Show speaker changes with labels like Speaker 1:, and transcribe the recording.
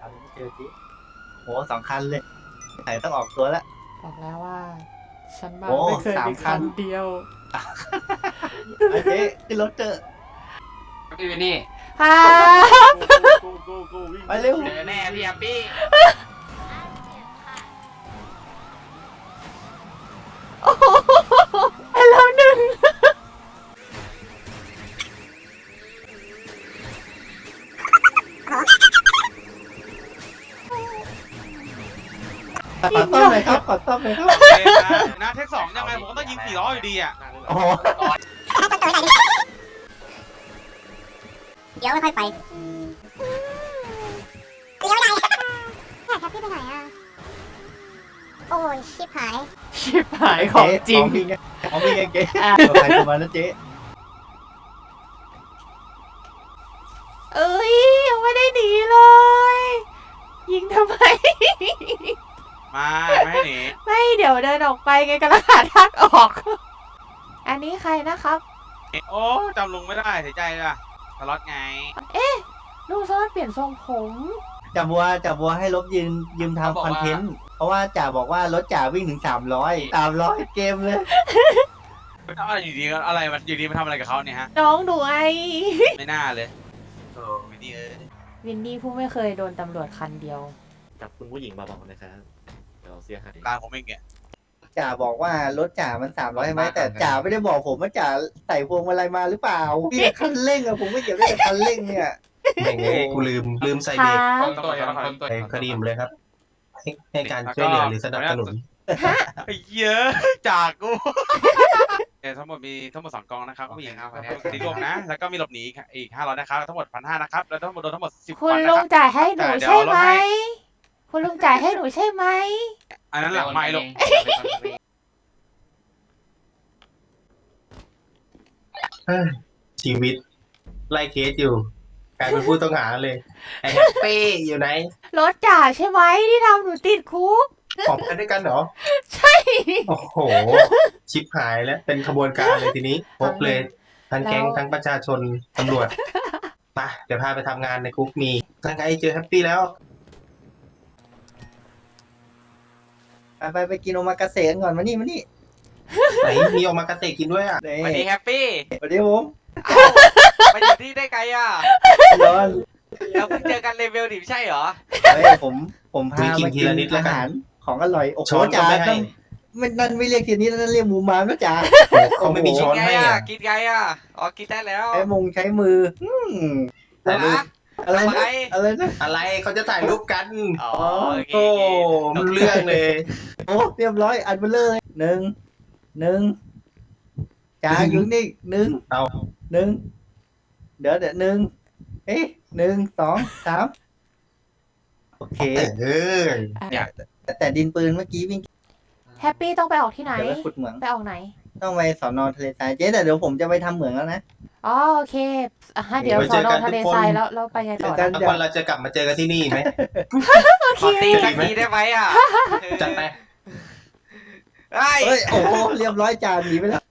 Speaker 1: ไม่เจอจีโห2 คันเลยไหนต้องออกตัวแล้ว
Speaker 2: บอกแล้วว่า ฉันมา
Speaker 1: โอ้
Speaker 2: ไม่เคยมี
Speaker 1: 3 คั
Speaker 2: คั
Speaker 1: น
Speaker 2: นเดียว
Speaker 1: โอเคขึ้นรถเจอ
Speaker 3: พี่วินนี่
Speaker 2: ฮ่า
Speaker 1: ไปเร็ว
Speaker 3: เจอแน่พี่แฮปปี้
Speaker 2: ไปแล้วหนึ่ง
Speaker 1: ขอต้อมหน่อยครับขอต้อมหน่อยครับ
Speaker 4: นะเทค2ยังไงผมก็ต้องยิง400อยู่ดีอ่ะ
Speaker 1: โอ้โห
Speaker 5: เดี๋ยวไม่ค่อยไปเดี๋ยวไม่ได้แท็กพี่ไปไหนอ่ะ โอ้ยชิบหาย
Speaker 2: ชิบหายของจริง
Speaker 1: ของพี่ไงเจ๊
Speaker 2: อ่ะ
Speaker 1: ตัวใครตัวมันนะเจ๊
Speaker 2: เอ้ยยังไม่ได้หนีเลย ยิงทำไม
Speaker 4: มาไม่ให้หนี
Speaker 2: ไม่เดี๋ยวเดินออกไปไงกำลังหาทางออก อันนี้ใครนะครับ
Speaker 4: โอ้จำลุงไม่ได้เสียใจเลยสล็อตไง
Speaker 2: ลุงสามารถเปลี่ยนทรงผม
Speaker 1: จ่าบัวให้ลบยืมทำคอนเทนต์เพราะว่าจ่าบอกว่ารถจ่าวิ่งถึง300เกมเลย
Speaker 4: อะไรอยู่ดีอะไรมันอยู่ดีมาทำอะไรกับเขาเนี่ยฮะ
Speaker 2: น้องดูไอ
Speaker 4: ไม่น่าเลยโอ้ไม่ดีเอ้ย
Speaker 2: วินดี้ผู้ไม่เคยโดนตำรวจคันเดียว
Speaker 6: จับคุณผู้หญิงมาบอกนะครับเดี๋ยวเสียหาย
Speaker 4: ตามผมเองเนี่ย
Speaker 1: จ่าบอกว่ารถจ่ามัน300ใช่ไหมแต่จ่าไม่ได้บอกผมว่าจ่าใส่พวงมาลัยมาหรือเปล่าพี่คันเร่งอะผมไม่เกี่ยวด้วยกับคันเร่งเนี่ย
Speaker 7: แม่งเลยกูลืมใส่เบรก
Speaker 2: ค่ะ
Speaker 3: ตัวยังคนตัว
Speaker 7: ไอ้คดีมเลยครับ ให้การช่วยเหลือหรือสนับสนุน
Speaker 4: ไอ้เยอะจากกูทั้งหมดมีทั้งหมด2 กองนะครับผู้หญิงครับตีรวมนะแล้วก็มีหลบหนีอีก500นะครับทั้งหมด1,500นะครับแล้วทั้งหมดโดนทั้งหมด10
Speaker 2: คุณ
Speaker 4: วันนะ
Speaker 2: ลุ
Speaker 4: ค
Speaker 2: ง
Speaker 4: รับ
Speaker 2: จ่ายให้หนู
Speaker 4: แต่เดี๋ยว
Speaker 2: ใช่ไหม
Speaker 4: ลดให้
Speaker 2: คุณลุงจ่ายให้หนูใช่ไหม
Speaker 4: อันนั้นหลังไม่ลง
Speaker 7: ชีวิต ไล่เคสอยู่กลายเป็นผู้ต้องหาเลยไอ้แฮปปี้อยู่ไหน
Speaker 2: รถจ่าใช่ไหมที่ทำหนูติดคุก
Speaker 7: ออกมาด้วยกันเหรอ
Speaker 2: ใช่
Speaker 7: โอ้โห ชิปหายแล้ว เป็นขบวนการเลยทีนี้พบเลย ทั้งแก๊งทั้งประชาชนตำรวจไปเดี๋ยวพาไปทำงานในคุกมีทั้งไงเจอแฮปปี้แล้ว
Speaker 1: ไปกินโอมากาเสะกันก่อนมานี่
Speaker 7: ไหนมีออกมากระเตะกินด้วยอ่ะ
Speaker 4: สวัสดีแฮปปี้
Speaker 1: สวัสดีผม
Speaker 4: ไปอยู่ที่ได้ไกลอ่ะ
Speaker 1: ร้อน
Speaker 4: เราเพิ่งเจอกันเลเวลดิไม่ใช่เหรอ
Speaker 1: เฮ้ยผมพามากินอาหารของอร่อยโอ้โห
Speaker 7: ช้อนก็
Speaker 1: จ่า
Speaker 7: ไม่ให้
Speaker 1: นั่นไม่เรียกทีนี้นั่นเรียกหมูมามนะจ่า
Speaker 7: โอ้เขาไม่มีช้อนให้อ่ะ
Speaker 4: กินไงอ่ะอ๋อกินได้แล้ว
Speaker 1: ใช้มือ
Speaker 7: ถ่ายรูป
Speaker 1: อะไรนะอะไรนะ
Speaker 7: อะไรเขาจะถ่ายรูปกัน
Speaker 4: อ๋อโอเค
Speaker 7: โอ้มันเรื่องเลย
Speaker 1: โอ้เรียบร้อยอันเบลเลยหนึ่งจ่าอยู่นี่หนึ่ง
Speaker 7: เอา
Speaker 1: เดี๋ยวหนึ่งเอ๊ะ1 2 3โอเค
Speaker 7: เออ
Speaker 1: แต่ดินปืนเมื่อกี้วิ่ง
Speaker 2: แฮปปี้ต้องไปออกที่ไหน
Speaker 1: เดี๋ยวไปขุดเหมือง
Speaker 2: ไปออกไหน
Speaker 1: ต้องไปสอนอทะเลทรายเจ๊แต่เดี๋ยวผมจะไปทำเหมืองแล้วนะ
Speaker 2: อ๋อโอเคเดี๋ยวสอนอทะเลทรายแล้วไปไงต่อ
Speaker 1: เจอกั
Speaker 2: นะ
Speaker 1: น
Speaker 7: แล้ววันเราจะกลับมาเจอกันที่นี่ไหม
Speaker 4: ขอตีสักทีได้ไหมอ่ะ
Speaker 7: จัดไป
Speaker 4: ไอ้
Speaker 1: เฮ้ยโอ้โหเรียบร้อยจ่าหนีไปแล้ว